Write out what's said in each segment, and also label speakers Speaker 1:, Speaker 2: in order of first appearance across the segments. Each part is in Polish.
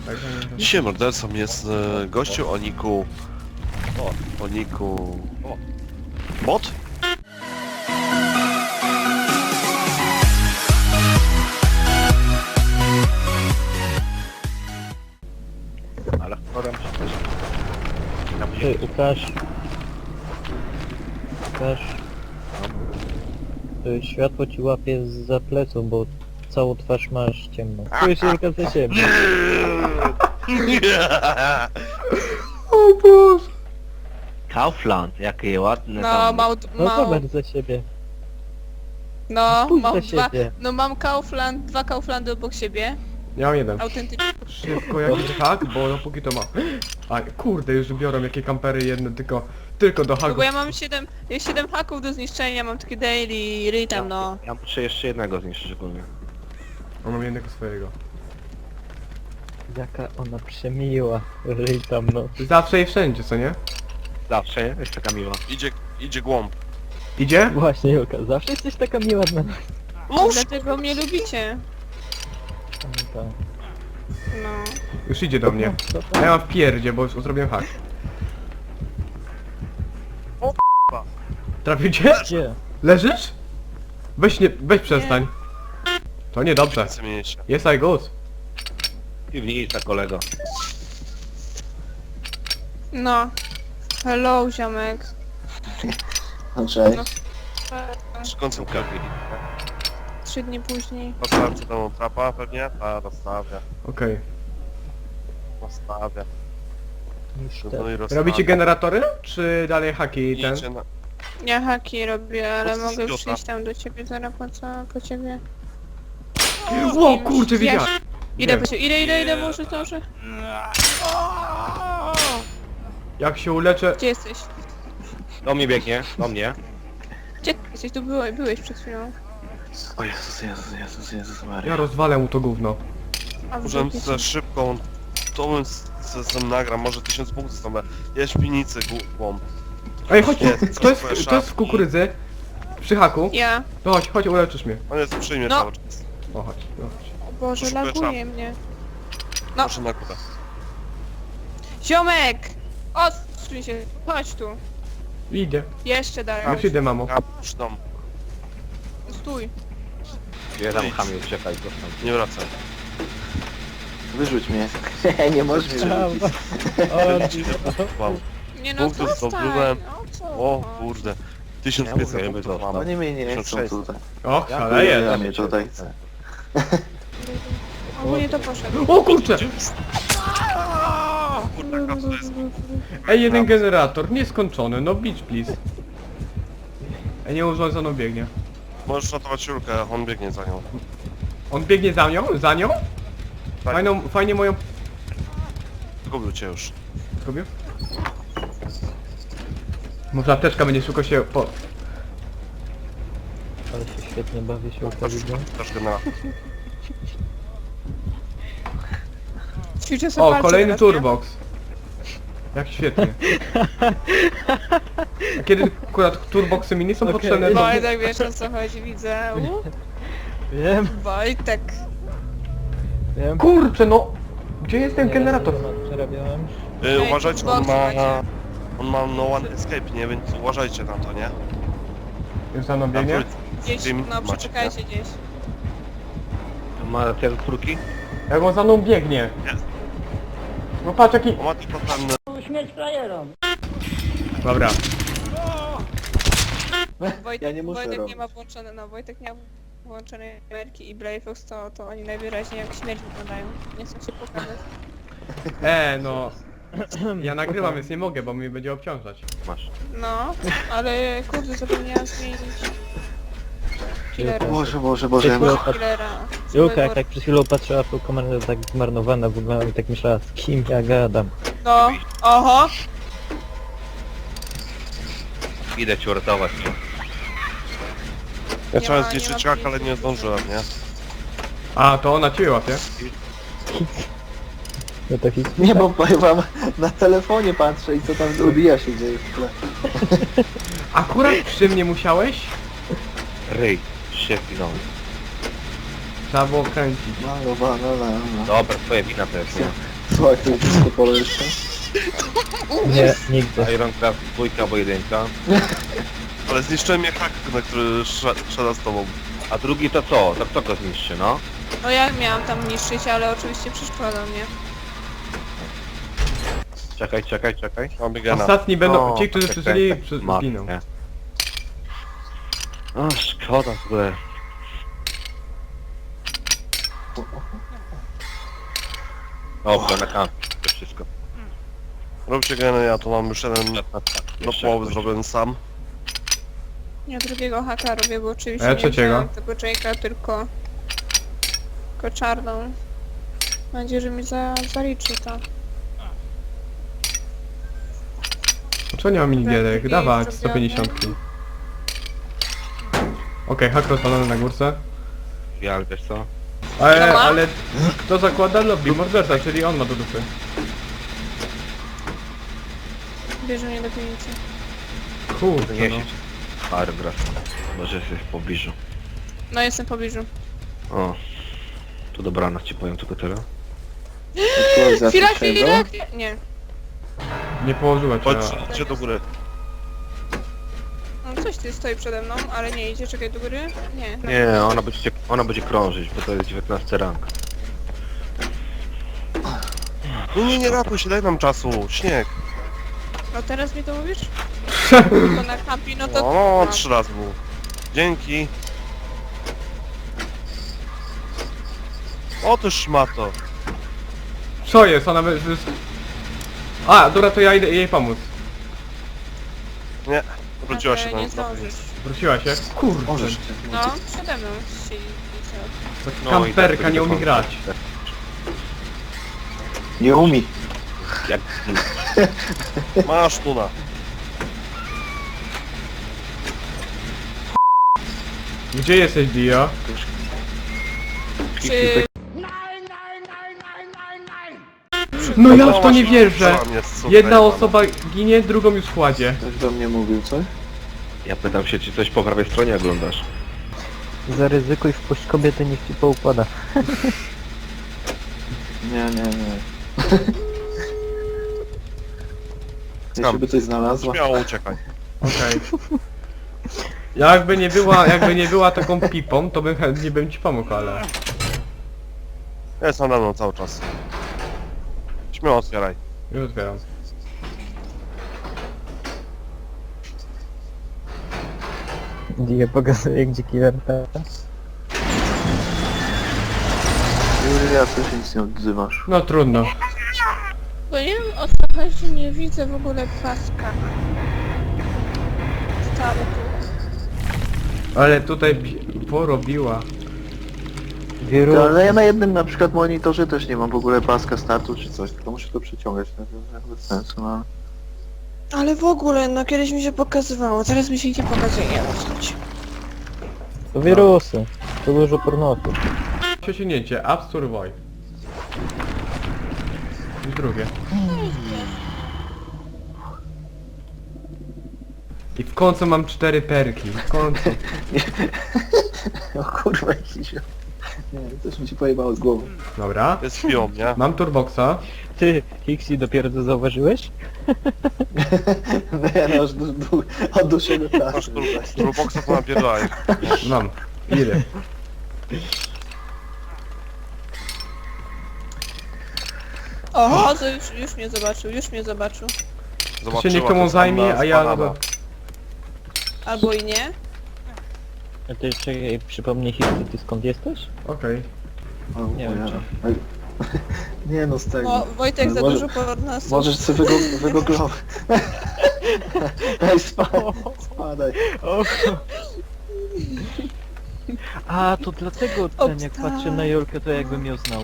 Speaker 1: Dzisiaj mordercą jest gościu o niku... O niku... Bot?
Speaker 2: Ale chorem się
Speaker 3: Ty, Łukasz. Łukasz. Światło ci łapie za pleców, bo całą twarz masz ciemną. Czujesz się tylko za siebie.
Speaker 4: O Boże!
Speaker 2: Kaufland, jakie ładne
Speaker 5: No,
Speaker 2: tam.
Speaker 3: No zobacz za siebie.
Speaker 5: No,
Speaker 3: Spójrz
Speaker 5: mam
Speaker 3: za
Speaker 5: dwa,
Speaker 3: siebie.
Speaker 5: no mam Kaufland, dwa Kauflandy obok siebie.
Speaker 4: Ja mam jeden.
Speaker 5: Autentycznie.
Speaker 4: Szybko jakiś hak, bo dopóki to ma. A kurde, już biorą jakie kampery jedne, tylko do
Speaker 5: No
Speaker 4: haków.
Speaker 5: bo ja mam 7 haków do zniszczenia, mam takie daily rytam, no.
Speaker 2: Ja muszę jeszcze jednego zniszczyć ogólnie.
Speaker 4: A mam jednego swojego.
Speaker 3: Jaka ona przemiła. Ryj tam no.
Speaker 4: Zawsze i wszędzie, co nie?
Speaker 2: Zawsze, nie? Jest taka miła.
Speaker 1: Idzie głąb.
Speaker 4: Idzie?
Speaker 3: Właśnie Julka, zawsze jesteś taka miła dla nas.
Speaker 5: Dlatego mnie lubicie.
Speaker 3: Tak.
Speaker 5: No.
Speaker 4: Już idzie do mnie.
Speaker 3: Co
Speaker 4: A
Speaker 3: to?
Speaker 4: ja mam w pierdzie, bo już zrobiłem hak.
Speaker 1: O,
Speaker 4: Trafił cię?
Speaker 3: Gdzie?
Speaker 4: Leżysz? Weź przestań. To niedobrze.
Speaker 1: Zmienię się.
Speaker 4: Jest I good.
Speaker 2: Piwnica, kolego.
Speaker 5: No. Hello, ziomek.
Speaker 6: Cześć.
Speaker 5: No.
Speaker 1: Przy końcu kapi.
Speaker 5: 3 dni później.
Speaker 1: Postawiam przed domą trapa pewnie? A, rozstawia.
Speaker 4: Okej.
Speaker 1: Rozstawia.
Speaker 3: Niż
Speaker 1: No
Speaker 3: te.
Speaker 1: i rozstawia.
Speaker 4: Robicie generatory? Czy dalej haki i ten?
Speaker 1: Idzie na...
Speaker 5: Ja haki robię, ale
Speaker 1: Po co
Speaker 5: mogę
Speaker 1: idiota?
Speaker 5: przyjść tam do ciebie zaraz po ciebie.
Speaker 4: O kurczę, widziałem!
Speaker 5: Idę
Speaker 4: Nie.
Speaker 5: po ciebie, idę, może to, że...
Speaker 4: Jak się uleczę...
Speaker 5: Gdzie jesteś?
Speaker 2: Do mnie biegnie, do mnie.
Speaker 5: Gdzie ty jesteś? Tu byłeś przed chwilą.
Speaker 6: O Jezus Maria.
Speaker 4: Ja rozwalę mu to gówno.
Speaker 5: A w
Speaker 1: Możemy
Speaker 5: dupie
Speaker 1: za
Speaker 5: cię.
Speaker 1: szybką... To bym z nagram, może 1000 punktów stąd. Jest w pinicy głąb.
Speaker 4: Ej, chodź,
Speaker 1: Jest,
Speaker 4: to jest w kukurydzy. Przy haku.
Speaker 5: Ja.
Speaker 4: No chodź, uleczysz mnie.
Speaker 1: On jest przy mnie
Speaker 5: No.
Speaker 1: cały czas.
Speaker 4: O, chodź, no chodź.
Speaker 5: O Boże,
Speaker 1: Poszukuję
Speaker 5: laguje mnie. No.
Speaker 1: Proszę na górę.
Speaker 5: Ziomek! Odsuń się, chodź tu.
Speaker 4: Idzie.
Speaker 5: Jeszcze dalej.
Speaker 4: Już idę, mamo.
Speaker 1: Ja przy domu.
Speaker 5: Stój.
Speaker 2: Gdzie tam chamie uciekaj, dostał.
Speaker 1: Nie wracaj.
Speaker 6: Wyrzuć mnie. Nie możesz mnie wyrzucić.
Speaker 3: O,
Speaker 5: Nie no,
Speaker 1: Punktów
Speaker 5: zostań.
Speaker 1: zdobyłem.
Speaker 5: O co?
Speaker 1: O kurde. 1500
Speaker 2: Ja mówię,
Speaker 1: punktów
Speaker 2: żeby
Speaker 1: mam.
Speaker 6: Oni mnie nie chcą
Speaker 1: 1600.
Speaker 6: tutaj.
Speaker 4: Och,
Speaker 6: Ja
Speaker 4: szaleje.
Speaker 6: mnie tutaj chcę.
Speaker 5: Ogólnie to poszedł.
Speaker 4: O kurczę!
Speaker 1: Kurde, jaka to jest...
Speaker 4: Ej, jeden generator, nieskończony, no bitch please. Ej, nieurządzoną biegnie.
Speaker 1: Możesz ratować Julkę, on biegnie za nią.
Speaker 4: On biegnie za nią? Za nią?
Speaker 1: Tak,
Speaker 4: Fajnie moją...
Speaker 1: zgubił cię już.
Speaker 4: Zrobił? Może apteczka będzie szybko się po...
Speaker 3: ale się świetnie bawię się Julka, widzę.
Speaker 1: Też generator.
Speaker 5: Ćwiczę sobie
Speaker 4: O,
Speaker 5: palce
Speaker 4: kolejny
Speaker 5: teraz, nie?
Speaker 4: turbox. Jak świetnie. A kiedy akurat turboxy mini są
Speaker 3: Okej.
Speaker 4: potrzebne, to...
Speaker 5: Wojtek, wiesz o co chodzi, widzę.
Speaker 3: Wiem,
Speaker 5: Wojtek.
Speaker 3: wiem.
Speaker 4: Kurczę, no! Gdzie jest ten
Speaker 3: Nieraz
Speaker 4: generator?
Speaker 3: temat przerabiałem.
Speaker 1: Uważajcie, on
Speaker 5: Xbox
Speaker 1: ma...
Speaker 5: macie.
Speaker 1: On ma no one escape, nie? Więc uważajcie na to, nie?
Speaker 4: Już za mną biegnie?
Speaker 1: Na
Speaker 5: Gdzieś,
Speaker 1: Steam
Speaker 5: no
Speaker 1: macie,
Speaker 5: przeczekajcie gdzieś.
Speaker 2: Ma te trójki?
Speaker 4: Jak on za mną biegnie?
Speaker 1: Jest.
Speaker 4: No patrz jaki...
Speaker 1: On ma tylko ten...
Speaker 4: Dobra.
Speaker 5: Wojtek,
Speaker 6: Ja nie muszę
Speaker 5: Wojtek nie
Speaker 6: robić.
Speaker 5: ma włączone, no Wojtek nie ma włączonej kamerki i Blayfox to oni najwyraźniej jak śmierć wyglądają. Nie chcą się pokazać.
Speaker 4: No... Ja nagrywam, więc nie mogę, bo mnie będzie obciążać.
Speaker 2: Masz.
Speaker 5: No, ale kurde zapomniałam zmienić killera.
Speaker 6: Boże.
Speaker 5: Killera.
Speaker 3: Julka jak tak przed chwilą patrzyła w tą kamerę tak zmarnowana wyglądała i tak myślała z kim ja gadam.
Speaker 5: No, oho.
Speaker 2: Idę ci uratować.
Speaker 1: Ja
Speaker 5: Nie
Speaker 1: chciałem
Speaker 5: ma- nie
Speaker 1: zniszczyć
Speaker 5: ma
Speaker 1: jak, ale nie zdążyłem, nie?
Speaker 4: A, to ona ciebie łapie?
Speaker 3: No to hit.
Speaker 6: Nie, bo powiem wam, na telefonie patrzę i co tam odbija się dzieje w tle.
Speaker 4: Akurat przy mnie musiałeś?
Speaker 2: Ryj. Się wpinąłem.
Speaker 4: Trzeba było kręcić.
Speaker 6: Malowana lama.
Speaker 2: Dobra, twoja wina to jest, nie?
Speaker 6: Słuchaj, to jest disco polo jeszcze.
Speaker 3: Nie, nigdy.
Speaker 2: Ironcraft 2 albo 1.
Speaker 1: Ale zniszczyłem mnie hak, na który szedł z tobą.
Speaker 2: A drugi to co? To kto go zniszczy, no?
Speaker 5: No ja miałam tam niszczyć, ale oczywiście przeszkodzą mnie.
Speaker 2: Czekaj.
Speaker 1: Mam biegana.
Speaker 4: Ostatni będą,
Speaker 2: O,
Speaker 4: ci, którzy
Speaker 2: tak,
Speaker 4: przyszli,
Speaker 2: tak, tak.
Speaker 4: zginą.
Speaker 2: Matkę. O, szkoda w ogóle. Dobra, na kamp. To wszystko.
Speaker 1: Róbcie geny, ja tu mam już jeden do
Speaker 2: Jeszcze
Speaker 1: połowy
Speaker 2: jakoś.
Speaker 1: zrobiony sam.
Speaker 5: Ja drugiego haka robię, bo oczywiście
Speaker 4: A ja
Speaker 5: nie
Speaker 4: trzeciego.
Speaker 5: wziąłem tego Jake'a, tylko czarną. Mam nadzieję, że mi zaliczy to.
Speaker 4: Czemu nie ma minigierek?
Speaker 5: drugi
Speaker 4: Dawać,
Speaker 5: jest
Speaker 4: 150. Okej, hak rozpalony na górce.
Speaker 2: Ja, wiesz co?
Speaker 5: No ma?
Speaker 4: Ale kto zakłada lobby? Morderca, czyli on ma do dupy.
Speaker 5: Bierze mnie do piwnicy.
Speaker 4: Kurde,
Speaker 2: Nie
Speaker 4: no.
Speaker 2: siedź. Paragraf. Może jesteś w pobliżu.
Speaker 5: No jestem w pobliżu.
Speaker 2: O. To dobranoc ci powiem tylko tyle.
Speaker 6: Aktualizacja
Speaker 5: Chwila!
Speaker 6: czego?
Speaker 5: Nie.
Speaker 4: Nie położyła cię.
Speaker 1: Chodźcie do góry.
Speaker 5: No coś tu stoi przede mną, ale nie idzie, czekaj do góry? Nie.
Speaker 2: Nie, ona będzie krążyć, bo to jest 19 rank.
Speaker 1: Nie ratuj się, daj nam czasu. Śnieg.
Speaker 5: No teraz mi to mówisz? To na kampi, no to...
Speaker 1: No, 3 razy był. Dzięki. O ty szmato.
Speaker 4: Co jest? Ona A, dobra, to ja idę jej pomóc.
Speaker 1: Nie, wróciła się
Speaker 5: nie
Speaker 1: tam.
Speaker 5: zdążysz.
Speaker 4: Wróciła się? Kurde.
Speaker 6: Możesz cię.
Speaker 5: No, przede mną siedzi.
Speaker 4: To kamperka nie umie grać.
Speaker 6: Nie umie.
Speaker 2: Jak...
Speaker 1: Masz tuna.
Speaker 4: Gdzie jesteś, Dio?
Speaker 5: Czy...
Speaker 4: No ja w to nie wierzę!
Speaker 1: Co mnie słucha,
Speaker 4: Jedna
Speaker 1: jebana.
Speaker 4: osoba ginie, drugą już kładzie.
Speaker 6: Ktoś do mnie mówił, coś?
Speaker 2: Ja pytam się, czy coś po prawej stronie oglądasz?
Speaker 3: Zaryzykuj, wpuść kobietę, niech ci poukłada.
Speaker 6: Nie. Jeśli by coś znalazła.
Speaker 1: Śmiało uciekaj.
Speaker 4: Okej. Jakby nie była taką pipą, to bym chętnie ci pomógł, ale...
Speaker 1: Jest nade mną cały czas. Śmiało otwieraj.
Speaker 4: Już otwieram.
Speaker 3: Die pokazuje, gdzie killer ta.
Speaker 6: Julia, ty się nic nie odzywasz.
Speaker 4: No trudno.
Speaker 5: Bo nie wiem o co chodzi, nie widzę w ogóle paska. Startu.
Speaker 4: Ale tutaj porobiła.
Speaker 3: Wirus.
Speaker 6: Ale ja na jednym na przykład monitorze też nie mam w ogóle paska startu czy coś, tylko muszę to przeciągać, tak bez sensu, no.
Speaker 5: Ale w ogóle, no kiedyś mi się pokazywało, teraz mi się nie pokazuje, nie wiem.
Speaker 3: To wirusy. To dużo pornotu.
Speaker 4: Przesunięcie, App Store Void. I drugie. I w końcu mam 4 perki, w końcu.
Speaker 6: O kurwa jakiś... Nie, coś mi się pojebało z głową.
Speaker 4: Dobra.
Speaker 1: Jest pią, nie?
Speaker 4: Mam turboxa.
Speaker 3: Ty, Hixi, dopiero to zauważyłeś?
Speaker 6: Nie, no, od dłuższego
Speaker 1: Masz
Speaker 6: czasu.
Speaker 1: turboxa to napierdaj.
Speaker 4: Mam. Ile?
Speaker 5: O, to już mnie zobaczył.
Speaker 4: To się niech komu zajmie, a ja...
Speaker 5: Albo i nie.
Speaker 3: A ty czekaj, przypomnij Hixi, ty skąd jesteś?
Speaker 4: Okej.
Speaker 6: O,
Speaker 3: Nie wiem,
Speaker 6: cholera. Nie no, z tego.
Speaker 5: No, Wojtek za
Speaker 6: Może-
Speaker 5: dużo pornosu.
Speaker 6: Możesz sobie wygooglować. Ej, spadaj.
Speaker 3: A, to dlatego ten, jak
Speaker 5: Obsta-
Speaker 3: patrzę na Jolkę, to jakbym ją znał.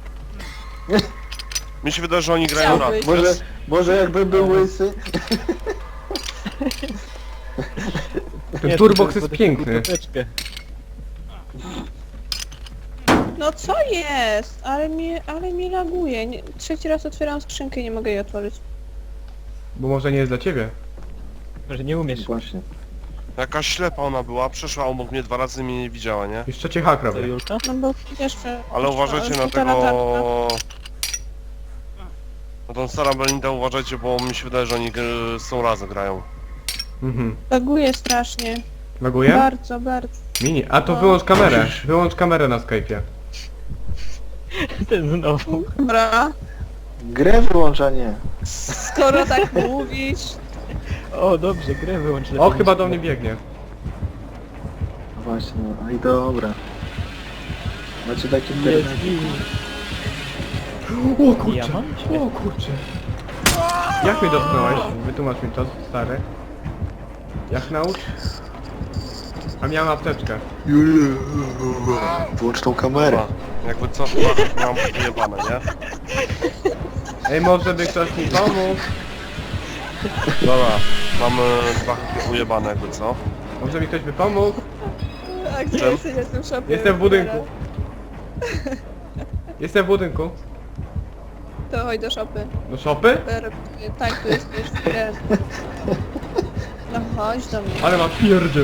Speaker 1: Mi się wydaje, że oni grają rap.
Speaker 5: Chciałbyś.
Speaker 6: Może jakbym był łysy.
Speaker 4: Ten turbox jest piękny.
Speaker 5: No co jest? Ale mi laguje. Nie, trzeci raz otwieram skrzynkę i nie mogę jej otworzyć.
Speaker 4: Bo może nie jest dla ciebie.
Speaker 3: Może nie umiesz.
Speaker 6: Właśnie.
Speaker 1: Jakaś ślepa ona była, przeszła obok mnie 2 razy, mnie nie widziała, nie?
Speaker 4: Jeszcze cię hak
Speaker 3: To
Speaker 4: robię.
Speaker 3: Julka?
Speaker 5: No bo jeszcze...
Speaker 1: Ale uważajcie na
Speaker 5: szpitala tarcza.
Speaker 1: tego... No tą Sara Belinda uważajcie, bo mi się wydaje, że oni są razem grają.
Speaker 4: Mhm.
Speaker 5: Laguje strasznie.
Speaker 4: Laguje?
Speaker 5: Bardzo, bardzo.
Speaker 4: Mini, a to
Speaker 5: No.
Speaker 4: wyłącz kamerę. Wyłącz kamerę na Skype'ie.
Speaker 3: Ten znowu.
Speaker 5: Dobra.
Speaker 6: Grę wyłączanie.
Speaker 5: Skoro tak mówisz...
Speaker 3: O, dobrze, grę wyłącz.
Speaker 4: O,
Speaker 3: lepiej
Speaker 4: chyba
Speaker 3: niż-
Speaker 4: do mnie biegnie.
Speaker 6: No właśnie, no i dobra. Macie taki
Speaker 3: Jest
Speaker 6: internet.
Speaker 4: O kurczę.
Speaker 3: Ja mam?
Speaker 4: O kurczę. Jak mnie dotknąłeś? Wytłumacz mi to, stary. Jak naucz? A miałem apteczkę.
Speaker 6: Włącz tą kamerę.
Speaker 1: Dobra. Jakby co, mam ujebane, nie?
Speaker 4: Ej, może by ktoś mi pomógł?
Speaker 1: Dobra, mamy dwa haki ujebane, jakby co?
Speaker 4: Może mi ktoś by pomógł?
Speaker 5: A gdzie
Speaker 1: Czym?
Speaker 5: jesteś? Jestem w szopie.
Speaker 4: Jestem w budynku. Jestem w budynku.
Speaker 5: To chodź do szopy.
Speaker 4: Do szopy?
Speaker 5: Tak, tu jesteś w grę. No chodź do mnie.
Speaker 4: Ale ma pierdzie.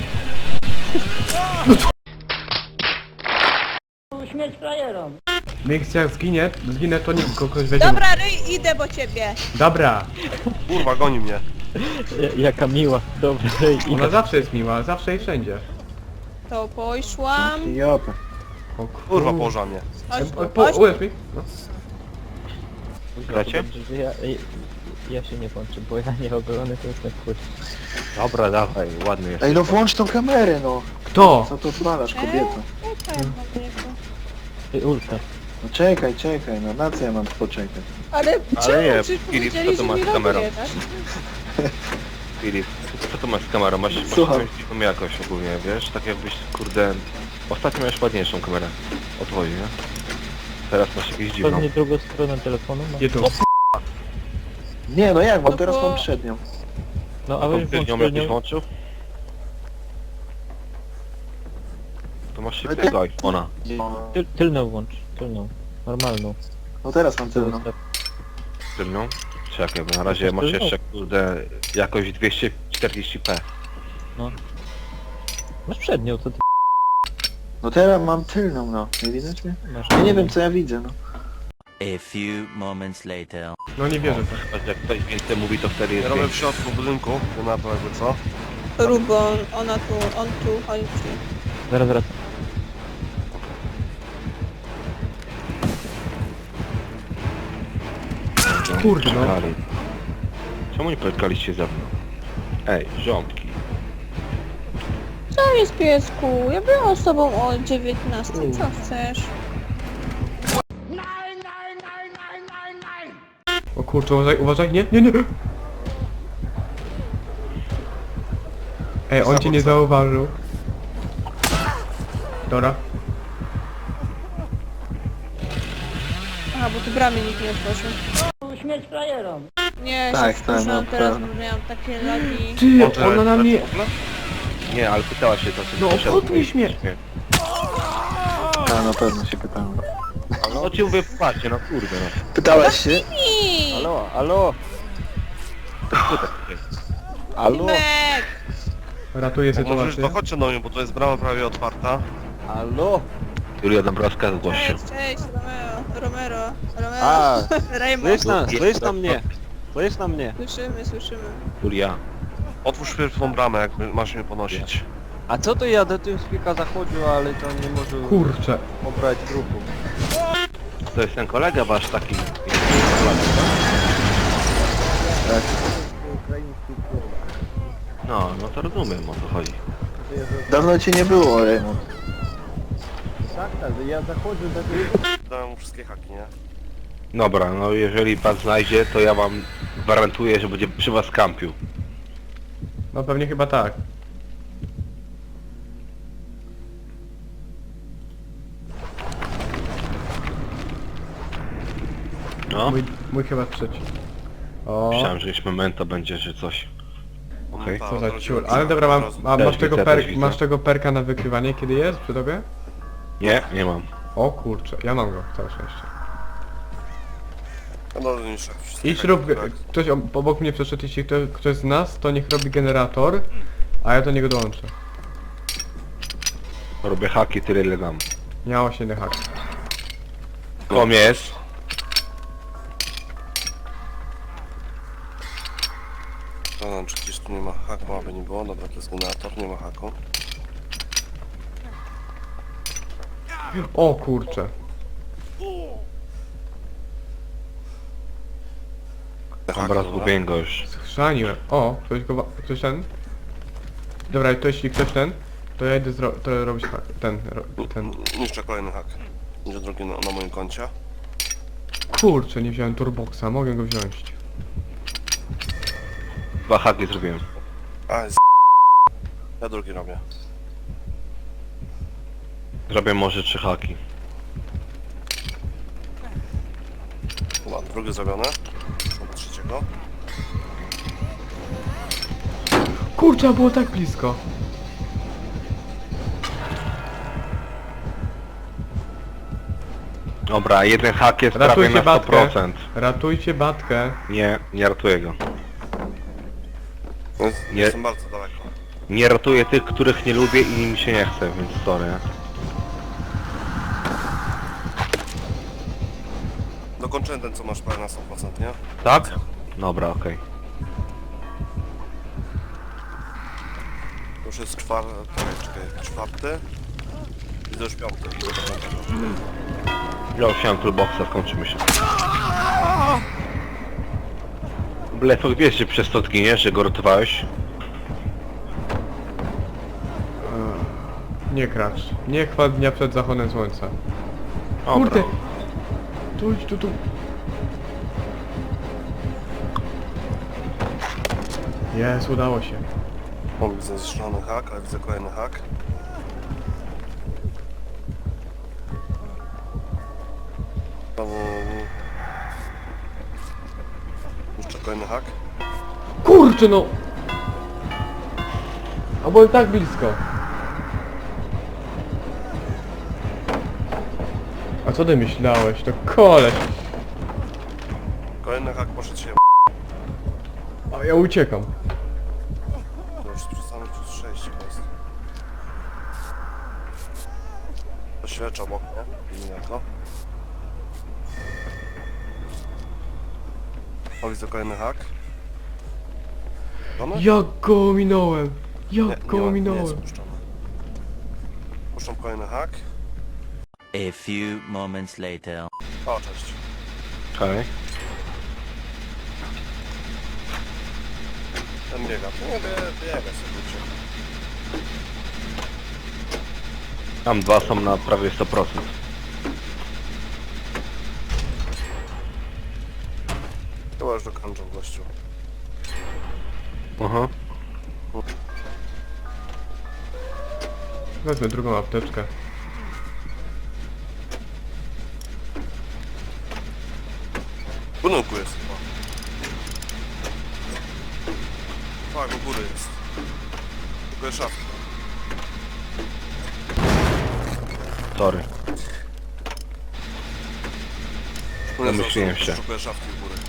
Speaker 7: Śmierć frajerom.
Speaker 4: Więc jak zginę to nikt kogoś weźmie.
Speaker 5: Dobra, Ryj, idę po ciebie.
Speaker 4: Dobra.
Speaker 1: Kurwa, goni mnie.
Speaker 3: Jaka miła. Dobra, i
Speaker 4: Ona zawsze jest miła, zawsze i wszędzie.
Speaker 5: To poszłam.
Speaker 6: Jopę.
Speaker 4: O
Speaker 1: Kurwa, położa mnie.
Speaker 5: Chodź tu,
Speaker 4: Ułóż
Speaker 5: chodź.
Speaker 4: mi. No.
Speaker 2: Gracie?
Speaker 3: Dobrze, że ja się nie włączę, bo ja nie obrony to jest na chuj.
Speaker 2: Dobra, dawaj, ładny jest.
Speaker 6: Ej, no włącz tą kamerę, no.
Speaker 4: Kto?
Speaker 6: Co to odpalasz, kobieto?
Speaker 5: Czekaj, Matryku.
Speaker 3: Ej, Ulka.
Speaker 6: No czekaj, czekaj, no na co ja mam poczekać?
Speaker 5: Ale
Speaker 2: Ale
Speaker 5: czemu?
Speaker 2: nie,
Speaker 5: Przecież
Speaker 2: Filip,
Speaker 5: powiedzieli,
Speaker 2: co to
Speaker 5: że
Speaker 2: masz
Speaker 5: mi
Speaker 2: z kamerą?
Speaker 5: loguje, tak?
Speaker 2: Filip, co tu masz z kamerą? Masz
Speaker 6: Słucham.
Speaker 2: dziwną jakość ogólnie, wiesz? Tak jakbyś, kurde... Ostatnio miałeś ładniejszą kamerę. Od twojej, nie? Teraz masz jakieś dziwną.
Speaker 3: Pewnie drugą stronę telefonu ma.
Speaker 4: Gdzie tu?
Speaker 6: Nie, no jak, bo
Speaker 5: No
Speaker 6: teraz
Speaker 5: bo-
Speaker 6: mam przednią.
Speaker 3: No,
Speaker 2: A
Speaker 3: a
Speaker 2: tą
Speaker 3: weź
Speaker 2: tylnią
Speaker 3: włącz
Speaker 2: jakbyś
Speaker 3: tylnią.
Speaker 2: włączył? To masz
Speaker 6: Ale
Speaker 2: szybkiego iPhone'a.
Speaker 3: Tylną włącz, tylną. Normalną.
Speaker 6: No teraz mam tylną.
Speaker 2: Tylnią? Czekaj, bo na razie
Speaker 3: Też
Speaker 2: masz
Speaker 3: tylną?
Speaker 2: jeszcze, kurde, jakość 240p.
Speaker 3: Masz przednią, co ty
Speaker 6: No teraz mam tylną, no. Nie widać mnie?
Speaker 3: masz?
Speaker 6: Ja nie wiem co ja widzę, no.
Speaker 8: A few moments later.
Speaker 4: No nie wierzę w to.
Speaker 2: Choć jak ktoś więcej mówi, to wtedy
Speaker 1: Ja
Speaker 2: jest
Speaker 1: robię w
Speaker 2: więcej.
Speaker 1: środku budynku, to na to jakby co?
Speaker 5: Rubon, ona tu, on tu, chodź tu.
Speaker 3: Zaraz wracam.
Speaker 4: Kurde, no.
Speaker 2: Czekali. Czemu nie spotkaliście ze mną? Ej, rządki.
Speaker 5: Co jest, piesku? Ja byłam z tobą o 19, co chcesz?
Speaker 4: O kurczę, uważaj, uważaj, nie, nie, nie. Ej, on cię nie zauważył. Dobra.
Speaker 5: Aha, bo tu bramy nikt nie otworzył.
Speaker 7: Śmierć frajerom.
Speaker 5: Nie,
Speaker 6: Tak,
Speaker 5: się
Speaker 6: tak,
Speaker 5: wkurzyłam
Speaker 6: no,
Speaker 5: teraz,
Speaker 6: prawda.
Speaker 5: bo miałam takie lagi.
Speaker 4: Ty,
Speaker 2: Może
Speaker 4: ona na mnie...
Speaker 2: w ogóle? Nie, ale pytała się to,
Speaker 4: No,
Speaker 2: czy
Speaker 4: podnieś mnie.
Speaker 6: A na pewno się pytałem.
Speaker 2: No ci mówię, patrzcie, no kurde, no.
Speaker 6: Pytałaś się?
Speaker 5: I...
Speaker 2: Halo, halo. Halo,
Speaker 5: Mek!
Speaker 4: Ratuję
Speaker 1: Jak możesz,
Speaker 4: sytuację.
Speaker 1: to chodźcie do mnie, bo to jest brama prawie otwarta.
Speaker 2: halo. Julia Dąbrowska, zgłoś się.
Speaker 5: Cześć, Romero,
Speaker 9: A,
Speaker 5: Raymond.
Speaker 9: słysz na mnie, słysz na mnie.
Speaker 5: Słyszymy.
Speaker 2: Julia.
Speaker 1: Otwórz pierwszą tą bramę, jak masz mnie ponosić.
Speaker 9: A co to ja do tym spika zachodził, ale to nie może
Speaker 4: Kurczę.
Speaker 9: pobrać grupu.
Speaker 2: To jest ten kolega wasz taki. No, no to rozumiem, o co chodzi.
Speaker 6: Dawno cię nie było, Raymond.
Speaker 9: Tak, ja zachodzę do tej...
Speaker 1: Dałem mu wszystkie haki, nie?
Speaker 2: Dobra, no jeżeli pan znajdzie, to ja wam gwarantuję, że będzie przy was kampił.
Speaker 4: No pewnie chyba tak.
Speaker 2: No,
Speaker 4: Mój chyba trzeci. O,
Speaker 2: myślałem, że już momento będzie, że coś. Okej.
Speaker 1: No
Speaker 4: co
Speaker 1: tak,
Speaker 4: za
Speaker 1: od razu
Speaker 4: ciul.
Speaker 1: widzę,
Speaker 4: Ale dobra,
Speaker 1: od
Speaker 4: mam,
Speaker 1: razu.
Speaker 4: a
Speaker 2: Też
Speaker 4: masz tego,
Speaker 2: widzę, też widzę.
Speaker 4: masz tego perka na wykrywanie, kiedy jest przy tobie?
Speaker 2: Nie, nie mam.
Speaker 4: O kurczę, ja mam go, całe szczęście.
Speaker 1: No, niż wszystkie
Speaker 4: Idź
Speaker 1: haki,
Speaker 4: rób,
Speaker 1: tak.
Speaker 4: ktoś obok mnie przeszedł, jeśli ktoś z nas, to niech robi generator, a ja do niego dołączę.
Speaker 2: Robię haki tyle ile dam.
Speaker 4: Miało się inny hak.
Speaker 2: Kom jest.
Speaker 1: Sprawdzam, czy gdzieś tu nie ma haku, aby nie było. Dobra, to jest generator, nie ma haku.
Speaker 4: O kurczę.
Speaker 2: Dobra, zgubiłem go już.
Speaker 4: Schrzaniłem. O, ktoś ten? Dobra, to jeśli ktoś ten, to ja idę to robić ten.
Speaker 1: Niszczę kolejny hak. Będzie drugi na moim koncie.
Speaker 4: Kurczę, nie wziąłem turboxa, mogę go wziąć.
Speaker 2: 2 haki zrobiłem.
Speaker 1: Ja drugi robię.
Speaker 2: Zrobię może 3 haki.
Speaker 1: Chyba drugi zrobione. Dobra, trzeciego.
Speaker 4: Kurczę, było tak blisko.
Speaker 2: Dobra, jeden hak jest prawie
Speaker 4: Ratujcie
Speaker 2: na
Speaker 4: Batkę.
Speaker 2: 100%.
Speaker 4: Ratujcie Batkę.
Speaker 2: Nie ratuję go. Nie.
Speaker 1: Jestem bardzo daleko.
Speaker 2: Nie ratuję tych, których nie lubię i mi się nie chce, więc sorry.
Speaker 1: Dokończyłem ten, co masz prawie na 100%, nie?
Speaker 2: Tak? Dobra, okej.
Speaker 1: To już jest czwarty. I to już piąty. I do piątego.
Speaker 2: Ja już chciałem toolboxa, skończymy się. Blefok, wiesz, że przez to zginiesz, że go ratowałeś?
Speaker 4: Nie kracz. Nie chwal dnia przed zachodem słońca.
Speaker 2: Dobra.
Speaker 4: Kurde! Tu. Jest, udało się.
Speaker 1: O, widzę zniszczony hak, ale widzę kolejny hak. Znowu... Jeszcze kolejny hak.
Speaker 4: Kurczę no! A było tak blisko. A co ty myślałeś? To koleś.
Speaker 1: Kolejny hak poszedł się.
Speaker 4: A ja uciekam.
Speaker 1: To już przestany plus 6 jest. To świecz obok, nie? Nie jako. O, widzę kolejny hak. Żony?
Speaker 4: Jak go ominąłem!
Speaker 1: Nie,
Speaker 4: Jak go
Speaker 1: nie jest
Speaker 4: ominąłem!
Speaker 1: spuszczony. Puszczam kolejny hak.
Speaker 8: A few moments later.
Speaker 1: O, cześć.
Speaker 2: Okej.
Speaker 1: Ten biega. To nie biega sobie uciekł.
Speaker 2: Tam 2 są na prawie 100%.
Speaker 1: Chyba już dokończę gościu.
Speaker 2: Aha.
Speaker 4: Wezmę drugą apteczkę.
Speaker 1: W budynku jest chyba. Tak, u góry jest. Tylko jest szafka.
Speaker 2: Sorry.
Speaker 1: No
Speaker 2: Domyśliłem się.
Speaker 1: Szukuję szafki u góry.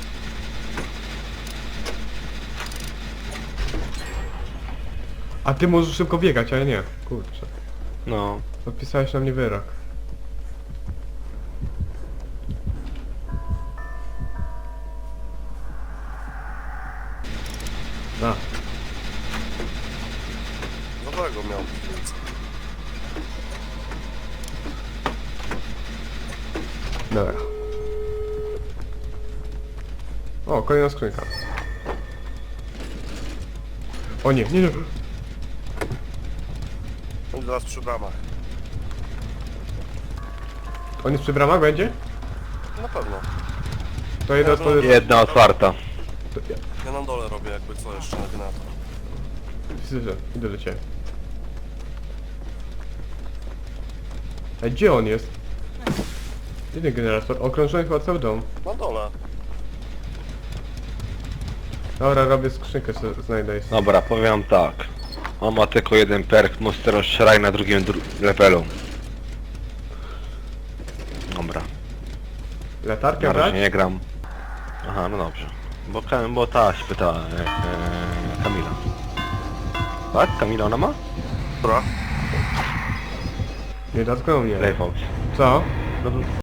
Speaker 4: A ty możesz szybko biegać, a ja nie. Kurczę.
Speaker 2: No.
Speaker 4: Odpisałeś na mnie wyrok. A,
Speaker 1: Dobrego miał piwnicę.
Speaker 4: dobra. O, kolejna skrzynka. O nie.
Speaker 1: On zaraz przy bramach.
Speaker 4: On jest przy bramach, będzie?
Speaker 1: Na pewno.
Speaker 4: To jedna odpowiedź.
Speaker 2: Jedna otwarta.
Speaker 1: Ja na dole robię jakby co jeszcze na generator.
Speaker 4: Słyszę, idę do ciebie. Ej, gdzie on jest? Jeden generator, okrążony chyba cały dom.
Speaker 1: Na dole.
Speaker 4: Dobra, robię skrzynkę, sobie znajdę.
Speaker 2: Dobra, powiem tak. On ma tylko jeden perk, Monster Shrine na drugim levelu. Dobra.
Speaker 4: Latarkę
Speaker 2: Na razie
Speaker 4: brać?
Speaker 2: nie gram. Aha, no dobrze. Bo ta się pyta Kamila. Tak? Kamila ona ma?
Speaker 1: Dobra.
Speaker 4: Nie dotknął mnie.
Speaker 2: Playfox.
Speaker 4: Co?
Speaker 2: No,